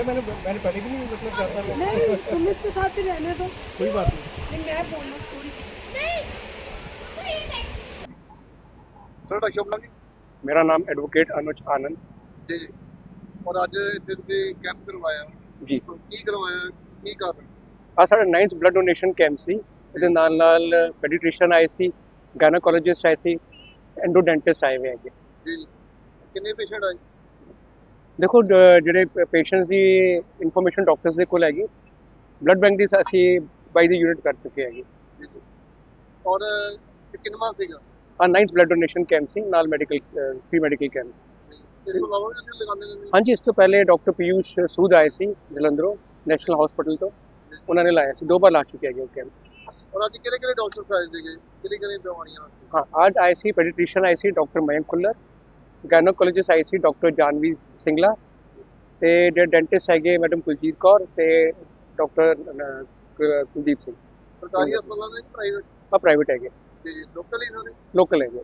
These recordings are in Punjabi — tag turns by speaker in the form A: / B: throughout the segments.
A: मैंने मैंने पहले भी नहीं मतलब चाहता मैं
B: नहीं तुम इसके साथ ही रहने दो।
A: कोई बात नहीं।
B: नहीं मैं बोलना थोड़ी।
C: ਤੁਹਾਡਾ ਸ਼ੁਭ ਨਾਮ ਜੀ?
A: मेरा नाम एडवोकेट अनुज आनंद
C: ਜੀ ਜੀ। ਔਰ ਅੱਜ ਇੱਥੇ ਤੁਸੀਂ ਕੈਂਪ ਕਰਵਾਇਆ,
A: जी।
C: ਕੀ ਕਰਵਾਇਆ, ਕੀ ਕਾਰਨ?
A: ਆ ਸਾਡਾ 9th ਬਲੱਡ ਡੋਨੇਸ਼ਨ ਕੈਂਪ ਸੀ। ਇਹਦੇ ਨਾਲ ਨਾਲ ਪੈਡੀਟ੍ਰੀਸ਼ੀਅਨ ਆਏ ਸੀ, ਗਾਇਨੋਕੋਲੋਜਿਸਟ ਆਏ ਸੀ, ਐਂਡੋਡੈਂਟਿਸਟ ਆਏ ਹੋਏ ਹੈਗੇ।
C: ਜੀ ਜੀ। ਕਿੰਨੇ ਪੇਸ਼ੈਂਟ ਆਏ?
A: ਦੇਖੋ ਜਿਹੜੇ ਪੇਸ਼ੈਂਟਸ ਦੀ ਇਨਫੋਰਮੇਸ਼ਨ ਡਾਕਟਰਸ ਦੇ ਕੋਲ ਹੈਗੀ, ਬਲੱਡ ਬੈਂਕ ਦੀ ਅਸੀਂ ਬਾਈ ਦੀ ਯੂਨਿਟ ਕਰ ਚੁੱਕੇ ਹੈਗੇ।
C: ਜੀ ਜੀ। ਔਰ ਕਿੰਨਵਾਂ ਸੀਗਾ?
A: ਆ 9th ਬਲੱਡ ਡੋਨੇਸ਼ਨ ਕੈਂਪ ਸੀ, ਨਾਲ ਮੈਡੀਕਲ ਫ੍ਰੀ ਮੈਡੀਕਲ ਕੈਂਪ।
C: ਇਸ ਤੋਂ ਇਲਾਵਾ ਵੀ ਅਸੀਂ ਲਗਾਉਂਦੇ ਰਹਿੰਦੇ
A: ਹਾਂਜੀ, ਇਸ ਤੋਂ ਪਹਿਲੇ ਡਾਕਟਰ ਪੀਯੂਸ਼ ਸੂਦ ਆਏ ਸੀ ਜਲੰਧਰੋਂ ਨੈਸ਼ਨਲ ਹਸਪੀਟਲ ਤੋਂ, ਉਹਨਾਂ ਨੇ ਲਾਇਆ ਸੀ, 2 ਵਾਰ ਲਾ ਚੁੱਕੇ ਹੈਗੇ ਉਹ ਕੈਂਪ।
C: ਔਰ ਅੱਜ ਕਿਹੜੇ ਕਿਹੜੇ ਡਾਕਟਰਸ ਆਏ ਸੀਗੇ, ਕਿਹੜੀ ਕਿਹੜੀ ਦਵਾਈਆਂ ਵਾਸਤੇ?
A: हाँ, आज आए सी पेडिट्रिशियन आए सी डॉक्टर मयंक खुल्लर, गायनोकोलॉजिस्ट आए सी डॉक्टर जानवी सिंगला, ते जो डेंटिस्ट है मैडम कुलजीत कौर ते डॉक्टर कुलदीप सिंह।
C: ਸਰਕਾਰੀ ਹਸਪਤਾਲਾਂ ਦੇ ਪ੍ਰਾਈਵੇਟ?
A: हाँ, प्राइवेट है,
C: ਜੀ ਜੀ। ਲੋਕਲ ਹੀ ਸਾਰੇ?
A: लोकल है।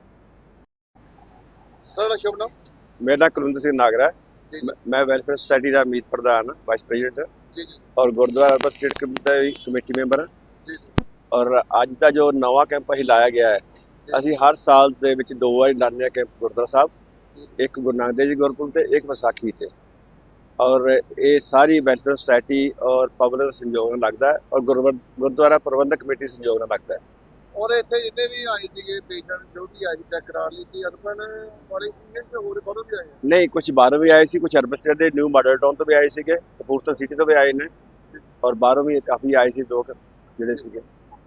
C: ਤੁਹਾਡਾ ਸ਼ੁਭ ਨਾਮ?
D: मेरा नाम कुलविंदर सिंह नागरा
C: जी
D: है। मैं वेलफेयर सोसाइटी का मीत प्रधान वाइस प्रेजिडेंट
C: ਜੀ ਜੀ
D: और gurdwara urban estate committee member हाँ।
C: ਜੀ ਜੀ
D: और अज का जो नवा कैंप असीं लाया गया है, ਅਸੀਂ हर साल ਦੇ ਵਿੱਚ 2 ਵਾਰੀ ਲਾਉਂਦੇ ਹਾਂ कैंप गुरुद्वारा साहब, एक गुरु नानक देव जी गुरपुरब ਤੇ एक ਵਿਸਾਖੀ ਤੇ। और ये सारी वेलफेयर सोसाइटी और पब्लिक संयोग ਨਾਲ लगता है और गुरुद्वारा प्रबंधक कमेटी संयोग ਨਾਲ लगता है।
C: ਔਰ ਇੱਥੇ ਜਿੰਨੇ ਵੀ ਆਏ ਸੀਗੇ ਪੇਸ਼ੈਂਟ ਜੋ ਵੀ ਆਏ ਚੈੱਕ ਕਰਾ ਲਈ ਸੀ, ਅਰਬਨ ਵਾਲੇ ਸੀਗੇ ਤੇ ਹੋਰ ਬਾਹਰੋਂ ਵੀ ਆਏ ਆ?
D: नहीं, कुछ बाहरों भी आए सी, कुछ अर्बन स्टेट के न्यू मॉडल टाउन तो भी आए सीगे, कपूरथला सिटी तो भी आए ने, और बाहरों भी काफ़ी आए सी लोग ਜਿਹੜੇ ਸੀਗੇ।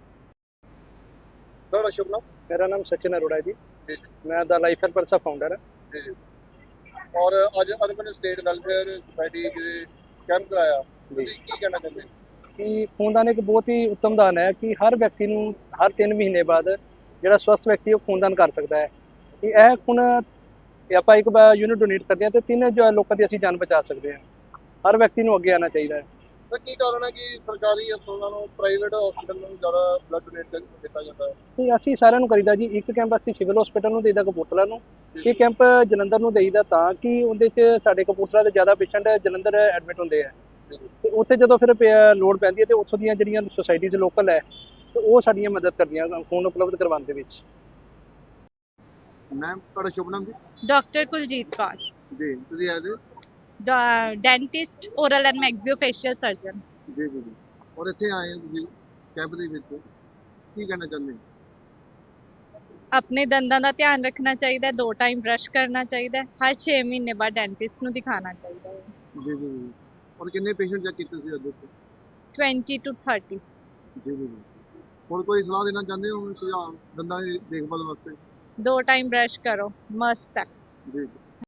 C: ਤੁਹਾਡਾ ਸ਼ੁਭ ਨਾਮ?
A: मेरा नाम सचिन अरोड़ा है जी,
C: ਜੀ
A: मैं द लाइफ हेल्पर्स का फाउंडर है।
C: ਜੀ ਜੀ। ਔਰ ਅੱਜ ਅਰਬਨ ਸਟੇਟ ਵੈਲਫੇਅਰ ਸੁਸਾਇਟੀ ਦੇ ਕੈਂਪ ਕਰਾਇਆ, ਤੁਸੀਂ ਕੀ ਕਹਿਣਾ ਚਾਹੁੰਦੇ?
A: ਕਿ ਖੂਨਦਾਨ ਇੱਕ ਬਹੁਤ ਹੀ ਉੱਤਮ ਦਾਨ ਹੈ ਕਿ ਹਰ ਵਿਅਕਤੀ ਨੂੰ ਹਰ 3 ਮਹੀਨੇ ਬਾਅਦ ਜਿਹੜਾ ਸਵਸਥ ਵਿਅਕਤੀ ਉਹ ਖੂਨਦਾਨ ਕਰ ਸਕਦਾ ਹੈ। ਕਿ ਇਹ ਖੂਨ ਆਪਾਂ ਇੱਕ ਵਾਰ ਯੂਨਿਟ ਡੋਨੇਟ ਕਰਦੇ ਹਾਂ ਤੇ 3 ਲੋਕਾਂ ਦੀ ਅਸੀਂ ਜਾਨ ਬਚਾ ਸਕਦੇ ਹਾਂ। ਹਰ ਵਿਅਕਤੀ ਨੂੰ ਅੱਗੇ ਆਉਣਾ ਚਾਹੀਦਾ ਹੈ।
C: ਤਾਂ ਕੀ ਕਾਰਨ ਹੈ ਕਿ ਸਰਕਾਰੀ ਹਸਪਤਾਲਾਂ ਨੂੰ ਪ੍ਰਾਈਵੇਟ ਹਸਪਤਾਲ ਨੂੰ ਜ਼ਿਆਦਾ ਬਲੱਡ ਡੋਨੇਟ ਦਿੱਤਾ ਜਾਂਦਾ ਹੈ?
A: ਤੇ ਅਸੀਂ ਸਾਰਿਆਂ ਨੂੰ ਕਰੀਦਾ ਜੀ, ਇੱਕ ਕੈਂਪ ਅਸੀਂ ਸਿਵਲ ਹਸਪੀਟਲ ਨੂੰ ਦੇਈਦਾ ਕਪੂਰਥਲਾ ਨੂੰ, ਇਹ ਕੈਂਪ ਜਲੰਧਰ ਨੂੰ ਦੇਈਦਾ ਤਾਂ ਕਿ ਉਹਦੇ 'ਚ ਸਾਡੇ ਕਪੂਰਥਲਾ ਦੇ ਜ਼ਿਆਦਾ ਪੇਸ਼ੈਂਟ ਜਲੰਧਰ ਐਡਮਿਟ ਹੁੰਦੇ ਆ ਤੇ ਉੱਥੇ ਜਦੋਂ ਫਿਰ ਲੋੜ ਪੈਂਦੀ ਹੈ ਤੇ ਉੱਥੋਂ ਦੀਆਂ ਜਿਹੜੀਆਂ ਸੁਸਾਇਟੀਜ਼ ਲੋਕਲ ਹੈ ਤੇ ਉਹ ਸਾਡੀਆਂ ਮਦਦ ਕਰਦੀਆਂ ਖੂਨ ਉਪਲਬਧ ਕਰਵਾਉਣ ਦੇ ਵਿੱਚ।
C: ਮੈਮ ਤੁਹਾਡਾ ਸ਼ੁਭ ਨਾਮ ਜੀ?
E: डॉक्टर कुलजीत कौर,
C: ਜੀ ਤੁਸੀਂ ਆਏ ਜੀ?
E: Dentist, oral and maxillofacial surgeon.
C: ਜੀ ਜੀ ਜੀ। ਔਰ ਇੱਥੇ ਆਏ ਹੋ ਤੁਸੀਂ ਕੈਂਪ ਦੇ ਵਿੱਚ, ਕੀ ਕਹਿਣਾ ਚਾਹੁੰਦੇ?
E: अपने दंदां दा ध्यान रखना चाहिए, 2 टाइम ब्रश करना चाहिए, हर 6 महीने बाद डेंटिस्ट ਨੂੰ ਦਿਖਾਣਾ ਚਾਹੀਦਾ ਹੈ।
C: ਜੀ ਜੀ ਜੀ। ਔਰ ਕਿੰਨੇ ਪੇਸ਼ੈਂਟ ਚੈੱਕ ਕੀਤੇ ਸੀ ਅੱਜ ਇੱਥੇ?
E: 20 to 30।
C: ਜੀ ਜੀ ਜੀ। ਹੋਰ ਕੋਈ ਸਲਾਹ ਦੇਣਾ ਚਾਹੁੰਦੇ ਹੋ ਸੁਝਾਅ ਦੰਦਾਂ ਦੀ ਦੇਖਭਾਲ ਵਾਸਤੇ?
E: 2 टाइम ब्रश करो, मस्ट है।
C: ਜੀ ਜੀ।